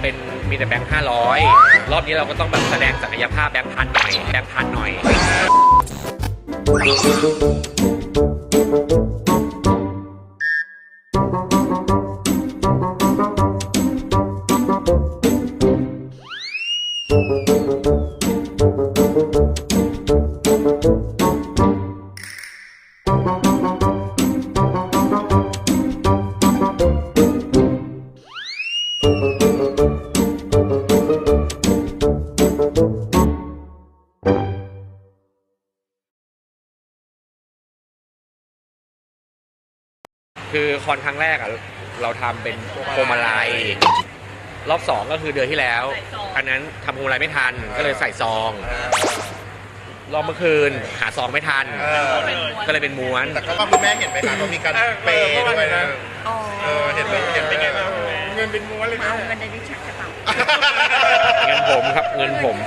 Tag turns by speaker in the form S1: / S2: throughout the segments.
S1: เป็นมีแต่แบงค์500รอบนี้เราก็ต้องแบบแสดงศักยภาพแบงค์พันหน่อยแบงค์พันหน่อยคือคอนครั้งแรกอ่ะเราทำเป็นพวงมาลัยรอบ2ก็คือเดือนที่แล้วอันนั้นทำพวงมาลัยไม่ทันก็เลยใส่ซองรอบเมื่อคืนหาซองไม่ทันก็เลยเป็นม้วน
S2: แต่ก็ว่าคุณแม่เห็นไหมคะว่ามีการเปย์ด้วยนะเห็นไหมไงเงินเป็นม้วนเลยนะ
S3: เงินในลิ้นชักกระเป๋า
S1: เงินผมครับเงินผม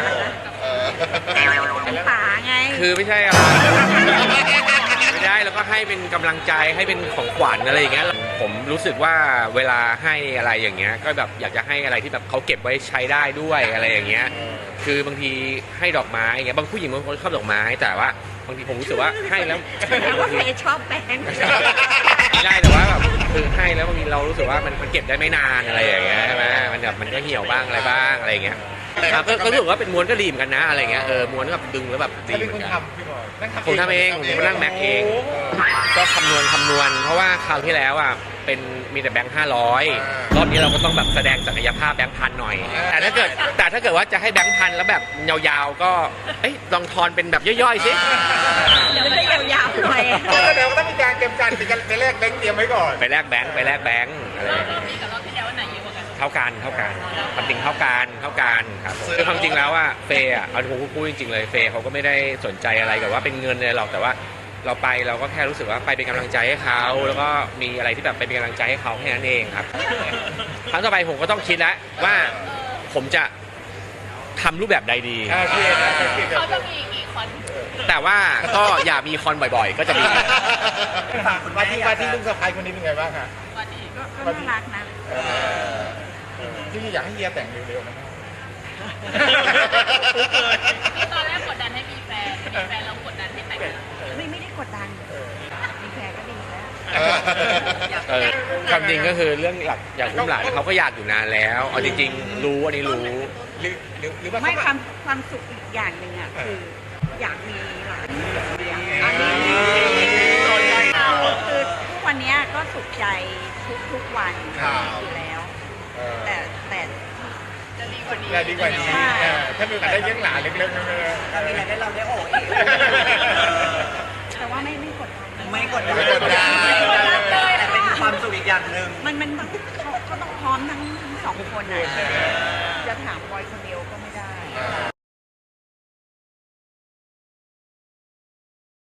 S3: ของป๋าไง
S1: คือไม่ใช่อะไรไม่ได้แล้วก็ให้เป็นกำลังใจให้เป็นของขวัญอะไรอย่างเงี้ยผมรู้สึกว่าเวลาให้อะไรอย่างเงี้ยก็แบบอยากจะให้อะไรที่แบบเขาเก็บไว้ใช้ได้ด้วยอะไรอย่างเงี้ยคือบางทีให้ดอกไม้อย่างเงี้ยบางผู้หญิงบางคนชอบดอกไม้แต่ว่าบางทีผมรู้สึกว่าให้แล้ว
S3: ว่าเฟย์ชอบแบงค์
S1: ไม่ได้แต่ว่าแบบคือให้แล้วบางทีเรารู้สึกว่ามันเก็บได้ไม่นานอะไรอย่างเงี้ยใช่ไหมมันแบบมันก็เหี่ยวบ้างอะไรบ้างอะไรอย่างเงี้ยก็รู้สึกว่าเป็นม้วนก็ดีเหมือนกันนะอะไรเงี้ยม้วนแบบดึงแล้วแบบดีเหมือนกันผมทำเองผมนั่งแม็กเองก็คำนวณเพราะว่าคราวที่แล้วอ่ะเป็นมีแต่แบงค์500รอบนี้เราก็ต้องแบบแสดงศักยภาพแบงค์พันหน่อยแต่ถ้าเกิดว่าจะให้แบงค์พันแล้วแบบยาวๆก็ลองทอนเป็นแบบย่อยๆสิ
S3: เดี๋ยวจะยาวๆหน่อย
S2: เดี๋ยวต้องมีการเตรียมการไปแลกแบงค์เตรียมไว้ก่อน
S1: ไปแลกแบงค์อะไรรอบนี้กับรอบที่แล้วไหนเยอะกว่ากันเท่ากันความจริงเท่ากันครับคือความจริงแล้วอ่ะเฟย์อ่ะเอาผมพูดจริงๆเลยเฟย์เขาก็ไม่ได้สนใจอะไรกับว่าเป็นเงินเลยหรอกแต่ว่าเราไปเราก็แค่รู้สึกว่าไปเป็นกำลังใจให้เขาแล้วก็มีอะไรที่แบบไปเป็นกำลังใจให้เขาแค่นั้นเองครับครั้งต่อไปผมก็ต้องคิดแล้วว่าผมจะทำรูปแบบใดดี
S4: เขาจะมีกี่คอน
S1: แต่ว่าก็อย่ามีคอนบ่อยๆก็จะดี
S2: ว่าที่ลุงสะพ้ายคนนี้เป็นไงบ้างคะ
S3: ก็น่ารักนะ
S2: ที่อยากให้เฮียแต่งเร็วๆนะ
S4: ตอนแรกกดดันให้มีแฟนเรากดดันให้แต่ง
S3: ไม่ได้กดดันมีแฟนก็ดีแล้ว
S1: ความจริงก็คือเรื่องอยากอุ้มหลานเขาก็อยากอยู่นานแล้วเอาจริงๆรู้อันนี้รู้
S3: หรือว่าไม่ความสุขอีกอย่างหนึ่งอ่ะคืออยากมีหลานอันนี้คือทุกวันนี้ก็สุขใจทุกวันอยู่แล้วแต่
S4: จะดีกว่านี้
S2: ถ้ามีโอกาสได้เลี้ยงหลานเล็กๆ
S3: ถ้ามีอะไรได้เราได้โอ้เองแต่ว่าไม่กดดัน
S5: แต่เป็นความสุขอีกอย่างหนึ่ง
S3: มันเขาต้องพร้อมทั้ง2 คนนะจะถามบอยคนเดียวก็ไม่ได้